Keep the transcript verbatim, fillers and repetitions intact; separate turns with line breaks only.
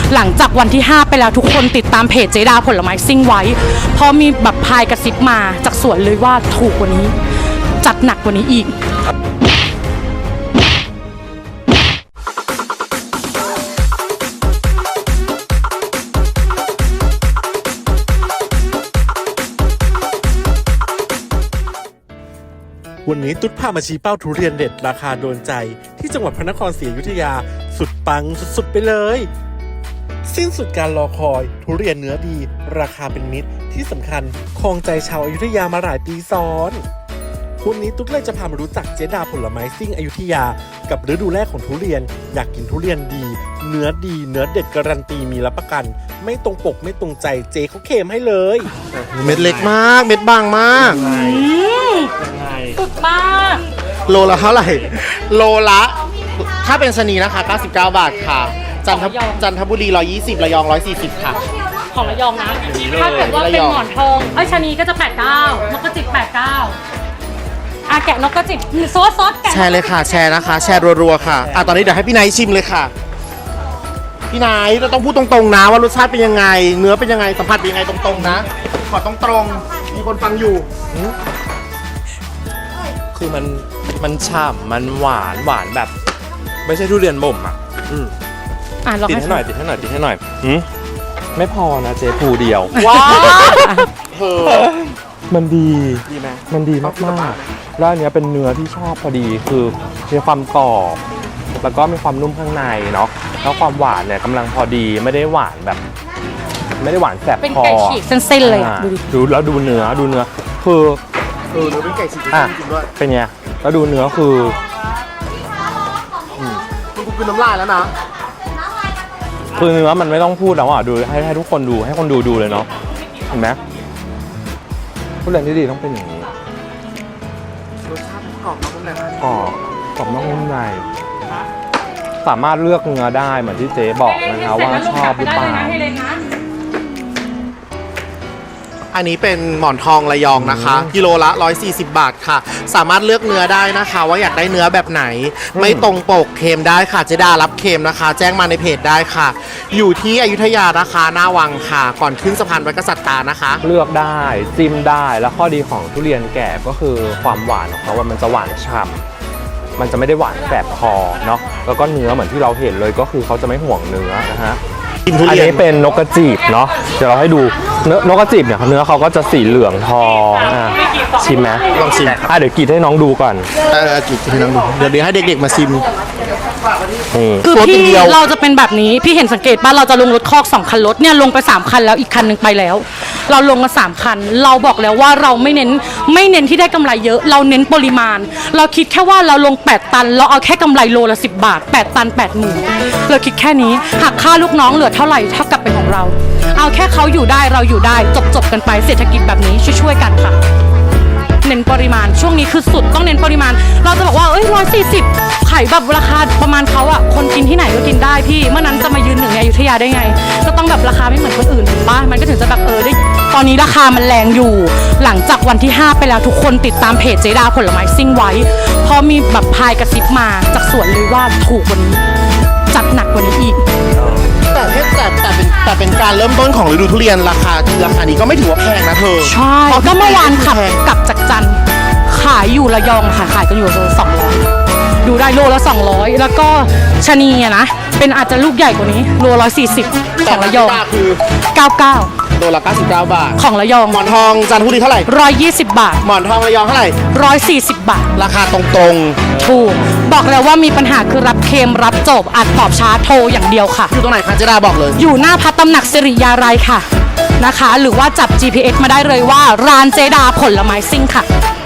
หลังจากวันที่ห้าไปแล้วทุกคนติดตามเพจเจดาผลไม้ซิ่งไว้เพราะมีแบบพายกระซิบมาจากสวนเลยว่าถูกกว่านี้จัดหนักกว่านี้อีก
วันนี้ตุ๊ดพามาชี้เป้าทุเรียนเด็ดราคาโดนใจที่จังหวัดพระนครศรีอยุธยาสุดปังสุดๆไปเลยสิ้นสุดการรอคอยทุเรียนเนื้อดีราคาเป็นมิตรที่สำคัญครองใจชาวอยุธยามาหลายปีซ้อนวันนี้ตุ๊ดเลยจะพามารู้จักเจดาผลไม้ซิ่งอยุธยากับฤดูแรกของทุเรียนอยากกินทุเรียนดีเนื้อดีเนื้อเด็ดการันตีมีรับประกันไม่ตรงปกไม่ตรงใจเจเขาเคลมให้เลย
เม็ดเล็กมากเม็ดบางมาก
สุดมาก
โลละเท่าไหร่โลละถ้าเป็นชะนีนะคะเก้าสิบเก้าบาทค่ะจันทจันทบุรีหนึ่งร้อยยี่สิบระยองหนึ่งร้อยสี่สิบค่ะ
ของระยองนะถ้าเกิดว่าเป็นหมอนทองไอ้ชะนีก็จะแปดสิบเก้านกกระจิบแปดสิบเก้าอ่ะแกะนกกระจิบซอสซอสแกะ
แชร์เลยค่ะแชร์นะคะแชร์รัวๆค่ะอ่ะตอนนี้เดี๋ยวให้พี่ไนท์ชิมเลยค่ะพี่ไนท์เราต้องพูดตรงๆนะว่ารสชาติเป็นยังไงเนื้อเป็นยังไงสัมผัสเป็นยังไงตรงๆนะขอตรงๆมีคนฟังอยู่
คือมันมันฉ่ำมันหวานหวานแบบไม่ใช่ทุเรียนบ่มอ่ะอืมติดให้หน่อยติดให้หน่อยติดให้หน่อยอืมไม่พอนะเจ๊ภูเดียว
ว้าว
มันดี
ดีไหม
มันดีมากๆแล้วอันนี้เป็นเนื้อที่ชอบพอดีคือมีความกรอบแล้วก็มีความนุ่มข้างในเนาะแล้วความหวานเนี่ยกำลังพอดีไม่ได้หวานแบบ ไม่ได้หวานแสบคอ
เป็นไก่ฉีกเส้นๆเลยอ่ะดูดิ
ดูแล้วดูเนื้อดูเนื้อคือ
เออเนื้อเป็นไก่ฉีกจริงด้วย
เป็นไงแล้วดูเนื้อคือ
คุณกูกินน้ำลายแล้วนะ
คือเนื้อมันไม่ต้องพูดแล้วอ่ะดูให้ให้ทุกคนดูให้คนดูดูเลยเนาะเห็นไหมทุเรียนที่ดีต้องเป็นอย่างนี้
รสชาติกรอบนอกนุ่มใน
กรอบกรอบนอกนุ่มในสามารถเลือกเนื้อได้เหมือนที่เจ๊บอกนะคะว่าชอบหรือเปล่า
อันนี้เป็นหมอนทองระยองนะคะกิโลละหนึ่งร้อยสี่สิบบาทค่ะสามารถเลือกเนื้อได้นะคะว่าอยากได้เนื้อแบบไหนไม่ตรงปกเค็มได้ค่ะเจดารับเค็มนะคะแจ้งมาในเพจได้ค่ะอยู่ที่อยุธยานะคะหน้าวังค่ะก่อนขึ้นสะพานวัดกษัตริย์ตานะคะ
เลือกได้จิ้มได้แล้วข้อดีของทุเรียนแก่ก็คือความหวานของเขาว่ามันจะหวานฉ่ำมันจะไม่ได้หวานแสบคอเนาะแล้วก็เนื้อเหมือนที่เราเห็นเลยก็คือเขาจะไม่ห่วงเนื้อนะฮะอันนี้เป็นนกกระจีบเนาะเดี๋ยวเราให้ดูเนื้อนกกระจีบเนี่ยเนื้อเขาก็จะสีเหลืองทองอ่ะชิมไหม
ลองชิม
อ่ะเดี๋ยวกรีดให้น้องดูก่อน
เออกรีดให้น้องดูเดี๋ยวเดี๋ยวให้เด็กๆมาชิม
คือพี่เราจะเป็นแบบนี้พี่เห็นสังเกตป่ะเราจะลงรถคอกสองคันรถเนี่ยลงไปสามคันแล้วอีกคันนึงไปแล้วเราลงมาสามคันเราบอกแล้วว่าเราไม่เน้นไม่เน้นที่ได้กำไรเยอะเราเน้นปริมาณเราคิดแค่ว่าเราลงแปดตันเราเอาแค่กำไรโลละสิบบาทแปดตันแปดหมื่นเราคิดแค่นี้หักค่าลูกน้องเหลือเท่าไหร่เท่ากับเป็นของเราเอาแค่เขาอยู่ได้เราอยู่ได้จบๆกันไปเศรษฐกิจแบบนี้ช่วยๆกันค่ะเน้นปริมาณช่วงนี้คือสุดต้องเน้นปริมาณเราจะบอกว่าเอ้ยร้อยสี่สิบไข่แบบราคาประมาณเขาอะคนกินที่ไหนก็กินได้พี่เมื่อนั้นจะมายืนหนึ่งในอยุธยาได้ไงก็ต้องแบบราคาไม่เหมือนคนอื่นถูกปะมันก็ถึงจะแบบเออได้ตอนนี้ราคามันแรงอยู่หลังจากวันที่ห้าไปแล้วทุกคนติดตามเพจเจดาผลไม้ซิ่งไว้เพราะมีแบบพายกระซิบมาจากสวนเลยว่าถูกกว่านี้จัดหนักกว่านี้อีก
แต่แต่แต่เป็นแต่เป็นการเริ่มต้นของฤดูทุเรียนราคาราคานี้ก็ไม่ถือว่าแพงนะเธอ
ใช่ก็เมื่อวานขับกลับจากจันทร์ขายอยู่ระยองค่ะขายกันอยู่โลสองร้อยดูได้โลละสองร้อยแล้วก็ชะนีอะนะเป็นอาจจะลูกใหญ่กว่านี้โลร้อยสี่สิบของระยอง
คือ
เก้าเก้า
โลละเก้าสิบเก้าบาท
ของระยอง
หมอนทองจันทบุรีเท่าไหร่
ร้อยยี่สิบบาท
หมอนทองระยองเท่าไหร่
ร้อยสี่สิบบาท
ราคาตรง
ๆถูกบอกแล้วว่ามีปัญหาคือรับเค็มรับจบอัดตอบช้าโทรอย่างเดียวค่ะ
อยู่ตรงไหนคะเจดาบอกเลย
อยู่หน้าพระตำหนักสิริยาลัยค่ะนะคะหรือว่าจับ จี พี เอส มาได้เลยว่าร้านเจดาผลไม้ซิ่งค่ะ